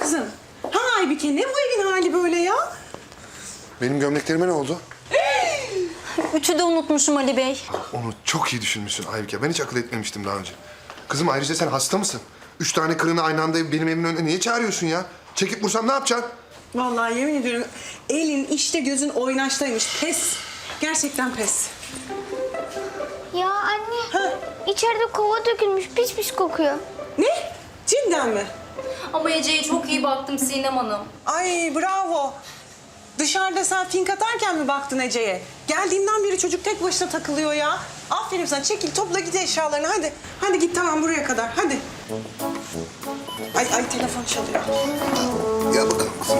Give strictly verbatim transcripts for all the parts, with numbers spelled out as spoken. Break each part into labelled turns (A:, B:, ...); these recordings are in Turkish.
A: kızım? Ha Aybike, ne bu evin hali böyle ya?
B: Benim gömleklerime ne oldu?
C: Üçü de unutmuşum Ali Bey.
B: Onu çok iyi düşünmüşsün Aybike. Ben hiç akıl etmemiştim daha önce. Kızım ayrıca sen hasta mısın? Üç tane kırığını aynı anda benim evimin önüne niye çağırıyorsun ya? Çekip vursam ne yapacaksın?
A: Vallahi yemin ediyorum elin işte gözün oynaştaymış. Pes. Gerçekten pes.
D: Ya anne, içeride kova dökülmüş, pis pis kokuyor.
A: Ne? Cidden mi?
C: Ama Ece'ye çok iyi baktım Sinem Hanım.
A: Ay bravo. Dışarıda sen fink atarken mi baktın Ece'ye? Geldiğimden beri çocuk tek başına takılıyor ya. Aferin sana, çekil topla git eşyalarını hadi. Hadi git tamam buraya kadar hadi. Ay ay telefon çalıyor.
B: Gel bakalım kızım.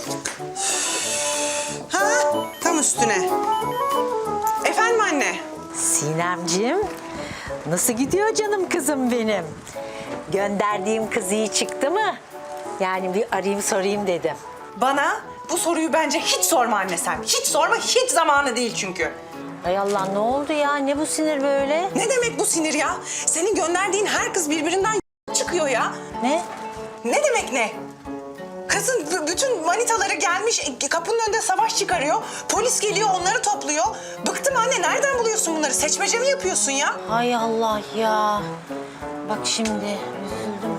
A: Ha tam üstüne. Efendim anne.
E: Sinemciğim, nasıl gidiyor canım kızım benim? Gönderdiğim kız iyi çıktı mı? Yani bir arayayım sorayım dedim.
A: Bana bu soruyu bence hiç sorma anne sen. Hiç sorma, hiç zamanı değil çünkü.
E: Ay Allah, ne oldu ya? Ne bu sinir böyle?
A: Ne demek bu sinir ya? Senin gönderdiğin her kız birbirinden çıkıyor ya.
E: Ne?
A: Ne demek ne? Kızın b- bütün manitaları gelmiş, e, kapının önünde savaş çıkarıyor. Polis geliyor, onları topluyor. Bıktım anne, nereden buluyorsun bunları? Seçmece mi yapıyorsun ya?
E: Hay Allah ya. Bak şimdi üzüldüm.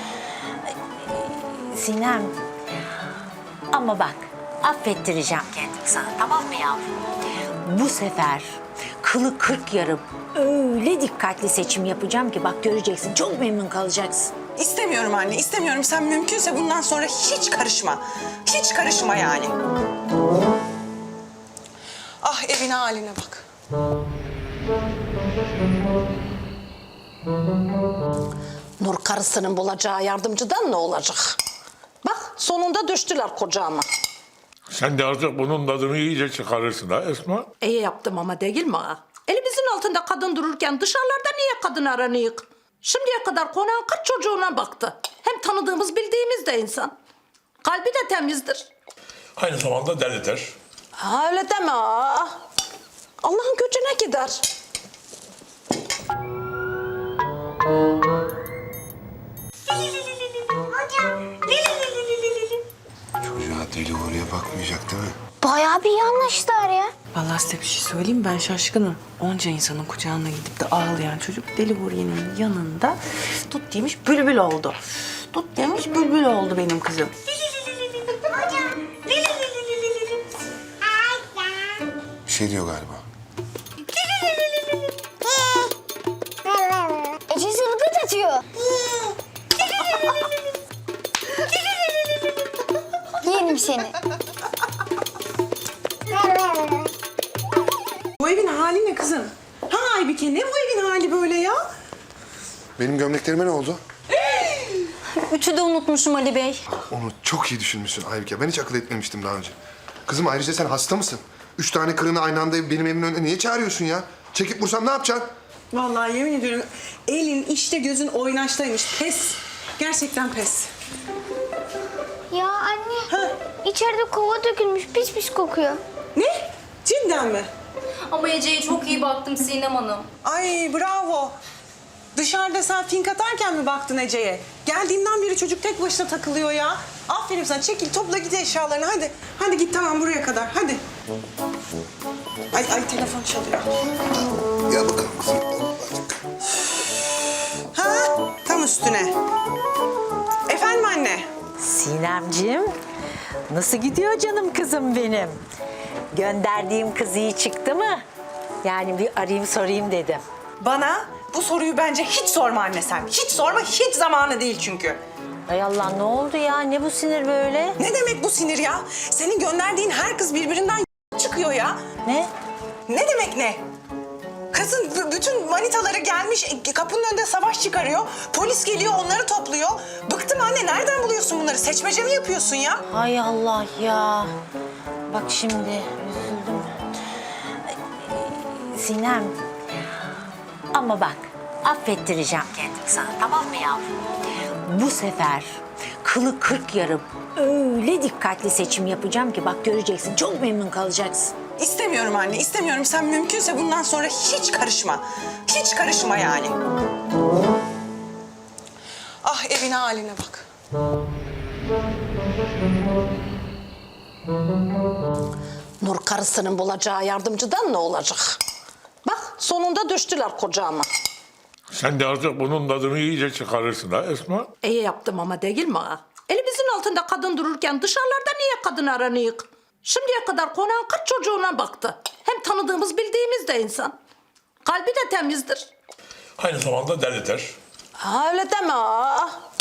E: Sinem. Ama bak, affettireceğim kendimi sana, tamam mı yavrum? Bu sefer kılı kırk yarım öyle dikkatli seçim yapacağım ki bak göreceksin, çok memnun kalacaksın.
A: İstemiyorum anne, istemiyorum. Sen mümkünse bundan sonra hiç karışma. Hiç karışma yani. Ah evin haline bak.
F: Nur karısının bulacağı yardımcıdan ne olacak? Bak sonunda düştüler kocama.
G: Sen de artık bunun tadını iyice çıkarırsın ha Esma.
F: İyi yaptım ama değil mi ha? Elimizin altında kadın dururken dışarılarda niye kadın aranıyık? Şimdiye kadar konağın kırk çocuğuna baktı. Hem tanıdığımız bildiğimiz de insan. Kalbi de temizdir.
G: Aynı zamanda delidir.
F: Ha, öyle deme ha. Allah'ın gücüne gider.
B: Çocuğa deli oraya bakmayacak değil mi?
D: Bayağı bir iyi anlaştılar ya.
A: Vallahi size bir şey söyleyeyim mi? Ben şaşkınım. Onca insanın kucağına gidip de ağlayan çocuk Deli Huriye'nin yanında tut demiş bülbül oldu. Tut demiş bülbül oldu benim kızım.
B: Bir şey diyor galiba.
D: Ece zılgıt atıyor. Yerim seni.
A: Bu evin hali ne kızım? Ha Aybike, ne bu evin hali böyle ya?
B: Benim gömleklerime ne oldu?
C: Üçü de unutmuşum Ali Bey.
B: Onu çok iyi düşünmüşsün Aybike. Ben hiç akıl etmemiştim daha önce. Kızım ayrıca sen hasta mısın? Üç tane kırığını aynı anda benim evimin önüne niye çağırıyorsun ya? Çekip vursam ne yapacaksın?
A: Vallahi yemin ediyorum elin işte gözün oynaştaymış. Pes. Gerçekten pes.
D: Ya anne, içeride kova dökülmüş, pis pis kokuyor.
A: Ne? Cidden mi?
C: Ama Ece'ye çok iyi baktım Sinem Hanım.
A: Ay bravo. Dışarıda sen fink atarken mi baktın Ece'ye? Geldiğimden beri çocuk tek başına takılıyor ya. Aferin sana, çekil topla git eşyalarını hadi. Hadi git tamam buraya kadar hadi. Ay ay telefon çalıyor.
B: Gel bakalım kızım.
A: Ha tam üstüne. Efendim anne.
E: Sinemciğim, nasıl gidiyor canım kızım benim? Gönderdiğim kız iyi çıktı mı? Yani bir arayayım sorayım dedim.
A: Bana bu soruyu bence hiç sorma anne sen. Hiç sorma, hiç zamanı değil çünkü.
E: Ay Allah, ne oldu ya? Ne bu sinir böyle?
A: Ne demek bu sinir ya? Senin gönderdiğin her kız birbirinden çıkıyor ya.
E: Ne?
A: Ne demek ne? Kızın b- bütün manitaları gelmiş, e, kapının önünde savaş çıkarıyor. Polis geliyor, onları topluyor. Bıktım anne, nereden buluyorsun bunları? Seçmece mi yapıyorsun ya?
E: Hay Allah ya. Bak şimdi üzüldüm. Sinem. Ama bak, affettireceğim kendimi sana, tamam mı yavrum? Bu sefer kılı kırk yarım öyle dikkatli seçim yapacağım ki bak göreceksin, çok memnun kalacaksın.
A: İstemiyorum anne, istemiyorum. Sen mümkünse bundan sonra hiç karışma. Hiç karışma yani. Ah evin haline bak.
F: Nur karısının bulacağı yardımcıdan ne olacak? Bak sonunda düştüler kocama.
G: Sen de artık bunun tadını iyice çıkarırsın ha Esma.
F: İyi yaptım ama değil mi ağa? Elimizin altında kadın dururken dışarılarda niye kadın aranıyık? Şimdiye kadar konağın kırk çocuğuna baktı. Hem tanıdığımız bildiğimiz de insan. Kalbi de temizdir.
G: Aynı zamanda delidir.
F: Ha, öyle deme ağa.